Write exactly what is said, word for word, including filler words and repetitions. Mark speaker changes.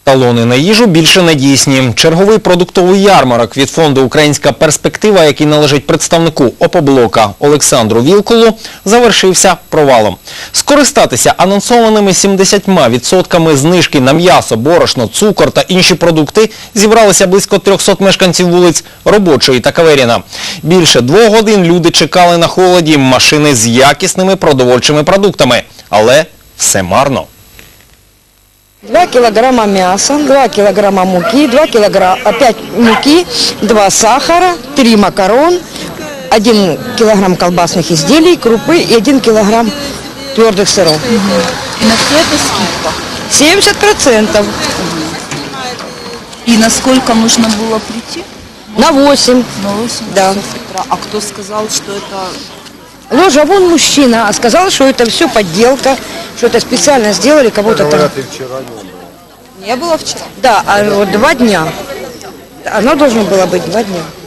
Speaker 1: Талони на їжу більше не дійсні. Черговий продуктовий ярмарок від фонду «Українська перспектива», який належить представнику «Опоблока» Олександру Вілкулу, завершився провалом. Скористатися анонсованими сімдесятьма відсотками знижки на м'ясо, борошно, цукор та інші продукти зібралися близько трьохсот мешканців вулиць Робочої та Каверіна. Більше двох годин люди чекали на холоді машини з якісними продовольчими продуктами. Але все марно.
Speaker 2: два килограмма мяса, два килограмма муки, два килограмма, опять муки, два сахара, три макарон, один килограмм колбасных изделий, крупы и один килограмм твердых сыров.
Speaker 3: И на все это скидка?
Speaker 2: семьдесят процентов.
Speaker 3: И на сколько нужно было прийти?
Speaker 2: На восемь.
Speaker 3: На восемь
Speaker 2: Да.
Speaker 3: часов утра. А кто сказал, что это...
Speaker 2: Ложа, вон мужчина, а сказал, что это все подделка, что это специально сделали кого-то там.
Speaker 3: Не было вчера?
Speaker 2: Да, а вот два дня. Оно должно было быть два дня.